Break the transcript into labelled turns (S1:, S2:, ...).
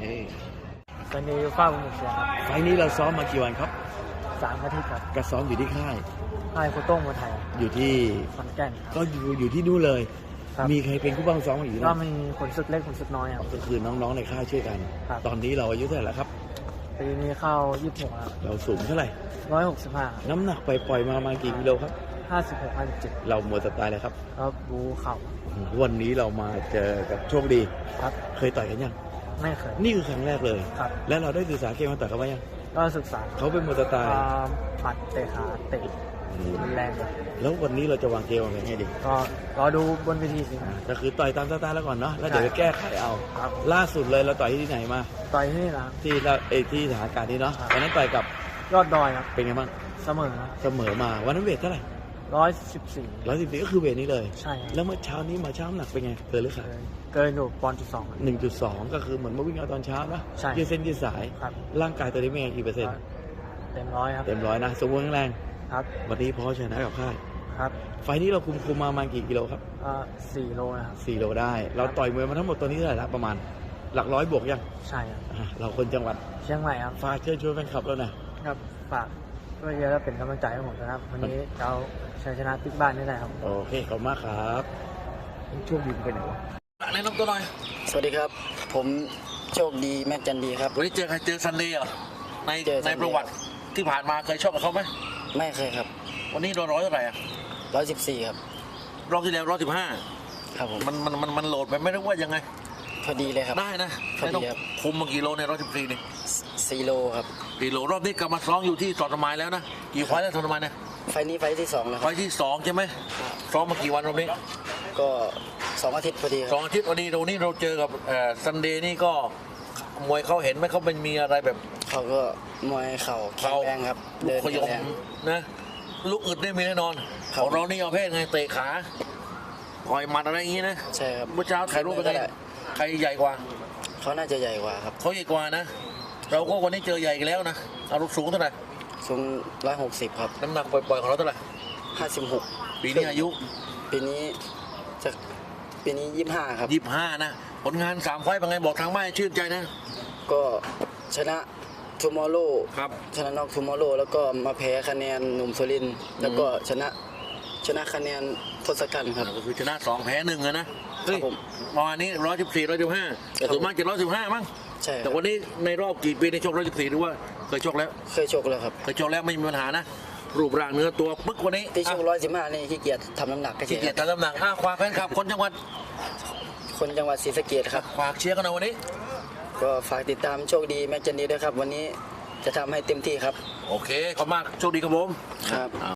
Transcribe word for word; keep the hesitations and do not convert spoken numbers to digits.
S1: ตอนนี้ฟ้าบุญเสียครับ
S2: ไฟล์นี้เราซ้อมมากี่วันครับ
S1: สามอาทิตย์ครับ
S2: ก็ซ้อมอยู่ที่ค่าย
S1: ให้โคโต้งมาไทย
S2: อยู่ที่
S1: ขอนแก่นค
S2: ก็
S1: รับ
S2: อยู่อยู่ที่นู่นเลย
S1: ครับ
S2: มีใครเป็นผู้บังซ้อมอยู่
S1: ก็
S2: นะ
S1: มีขนศึกเล็กขนศึกน้อยครับ
S2: ก็คือน้องๆในค่ายช่วยกัน
S1: ครับ
S2: ตอนนี้เราอายุเท่าไหร่แล้วครับ
S1: ปีนี้เข้ายี่สิบหกครับ
S2: เราสูงเท่าไหร่
S1: ร้อยหกสิบห้า
S2: น้ำหนักไปปล่อยๆมาประมาณกี่กิโลครับ
S1: ห้าสิบหกห้าสิบเจ็ด
S2: เราหมดสไตล์เลยครับ
S1: แล้วบูเข่า
S2: วันนี้เรามาเจอกับโชคดี
S1: ครับ
S2: เคยต่อยกันยัง
S1: ไม่เคย
S2: นี่คือครั้งแรกเลย
S1: ครับ
S2: แล้วเราได้ศึกษาเกมมาต่อยเขาไหมยัง
S1: ก็ศึกษา
S2: เขาเป็นมวยสไตล์
S1: อ่าปัดเตะขาเตะรุนแรงครับ
S2: แล้ววันนี้เราจะวางเกมวางแผนไงดี
S1: ก็รอดูบนเวทีสิค
S2: อ่า
S1: รับ
S2: ก็คือต่อยตามสไตล์แล้วก่อนเนาะ แล้วเดี๋ยว
S1: ใช่
S2: ไปแก้ไขเอา
S1: ครับ
S2: ล่าสุดเลยเราต่อยที่ไหนมา
S1: ต่อยที่นี่นะครับ
S2: ที่เราเอยที่สถานการณ์นี้เนาะ
S1: ครับ
S2: วันนั้นต่อยกับ
S1: ยอดดอยครับ
S2: เป็นไงบ้าง
S1: เสมอ
S2: เสมอมา วันนั้นเวทเท่าไหร่
S1: ร้อยสิบสี่
S2: ร้อยสิบสี่ก็คือเวทนี้เลย
S1: ใช่ครับ
S2: แล้วเมื่อเช้านี้มาเช้าน้ำหนักเป็นไงเกินหรือขาด
S1: เกินเกินอยู่ปอนด์จุดสอง
S2: หนึ่งจุดสองก็คือเหมือนมาวิ่งเอาตอนเช้านะ
S1: ใช่
S2: ยืดเส้นยืดสาย
S1: ครับ
S2: ร่างกายตัวนี้เป็นไงกี่เปอร์เซ็นต์
S1: เต็มร้อยครับ
S2: เต็มร้อยนะ สมบูรณ์แข็งแรง
S1: ครับ
S2: วันนี้พอชนะกับค่าย
S1: ครับ
S2: ไฟล์นี้เราคุมคุมมาประมาณกี่กิโลครับ
S1: อ่าสี่โลนะครับ
S2: สี่โลได้ เราต่อยมวยมาทั้งหมดตัวนี้เท่าไหร่ละประมาณ หลักร้อยบวกยัง
S1: ใช่ครับ
S2: อ่ะเราคนจังหวัด
S1: เชียงใหม่ครับ
S2: ฝากเชิญชวนแฟนคลับเราหน่อย
S1: ครับฝากช่วยเยอะแล้วเป็นกำลังใจให้ผมนะครับ วันนี้เราชัยชนะติ๊กบ้านนี่แหละครับ
S2: โอเค ขอบคุณมากครับช่วงดีไปไหนวะ
S3: แนะนำตัวหน่อย
S4: สวัสดีครับ ผมโชคดีแม็กจันดีครับ
S3: วันนี้เจอใครเจอซันเดย์เหรอใน
S4: เจอ
S3: ใน
S4: Sunday
S3: ประวัติที่ผ่านมาเคยชกกับเขาไหม
S4: ไม่เคยครับ
S3: วันนี้เราร้อยเท่าไหร่อะ
S4: ร้อยสิบสี่ครับ
S3: รอบที่แล้วร้อยสิบห้า
S4: ครับผม
S3: มันมันมันมันโหลดไปไม่รู้ว่ายังไง
S4: พอดีเลยครับ
S3: ได้นะ
S4: พอดี
S3: ไม่ต้อง
S4: ครับ
S3: คุมมากี่โลในร้อยสิบสี่นี่
S4: สี่โลครับ
S3: กี่โลรอบนี้กลับมาซ้อมอยู่ที่สอดสมายแล้วนะกี่ไฟล์แล้วสอดสมายเนี่ย
S4: ไฟล์นี้ไฟล์ที่สองแล้วค
S3: ไฟ
S4: รับ
S3: ล์ที่สองใช่ไหมซ้อมมากี่วันรอบนี้
S4: ก็สองอาทิตย์พอดีค
S3: ส
S4: รั
S3: อบ งอาทิตย์วันนี้เรานี่เราเจอกับซันเดย์นี่ก็มวยเขาเห็นไหมเขาเป็นมีอะไรแบบ
S4: เขาก็มวยเข่าแข็งแรงครับ
S3: ลู
S4: เดิ
S3: ก
S4: น
S3: ขยม
S4: แรง
S3: นะลูกอึดได้มีแน่นอน
S4: ครับ
S3: ของเรานี่เอาเพศไงเตะขาต่อยหมัดอะไรอย่างงี้นะ
S4: ใช่ครับ
S3: เมื่อเช้าถ่ายรูปไป
S4: ก็
S3: ไง
S4: ได้
S3: ใครใหญ่กว่า
S4: เขาน่าจะใหญ่กว่าครับ
S3: เขาใหญ่กว่านะ เราก็วันนี้เจอใหญ่กันแล้วนะเอาลูกสูงเท่าไหร่
S4: สูงร้อยหกสิบครับ
S3: น้ำหนักปล่อยๆของเราเท่าไหร่
S4: ห้าสิบหก
S3: ปีนี้อายุ
S4: ปีนี้จะปีนี้ยี่สิบห้าครับ
S3: ยี่สิบห้านะผลงานสามไฟต์เป็นไงบอกทางบ้านชื่นใจนะ
S4: ก็ชนะทูมอร์โล
S3: ครับ
S4: ชนะนอกทูมอร์โลแล้วก็มาแพ้คะแนนหนุ่มสุรินทร์แล้วก็ชนะชนะคะแนนทศกัณฐ์ครับ
S3: ก็คือชนะสองแพ้หนึ่งอะนะเฮ้ย
S4: ผม
S3: ประมาณนี้ร้อยสิบสี่ร้อยสิบห้าแต่ส่วนมากจะร้อยสิบห้ามั้ง
S4: ใช่ค
S3: แต่
S4: รับ
S3: วันนี้ในรอบกี่ปีในชกร้อยสิบสี่หรือว่าเคยชกแล้ว
S4: เคยชกแล้วครับ
S3: เคยชกแล้วไม่มีปัญหานะ รูปร่างเนื้อตัวปึ๊กวันนี้
S4: ที่ชก
S3: อ่ะ
S4: ร้อยสิบห้านี่ขี้เกียจทำน้ำหนักก็เฉ
S3: ขี้
S4: ย
S3: เกียจทำน้ำหนักอ้าควาแฟนคลับคนจังหวัด
S4: คนจังหวัดศรีสะเกษครับ
S3: ฝากเชียร์กันหน่อยวันนี้
S4: ก็ฝากติดตามโชคดีแม็กจันดีด้วยครับ วันนี้จะทำให้เต็มที่ครับ
S3: โอเค ขอบคุณมาก โชคดีครับผม
S4: ครับ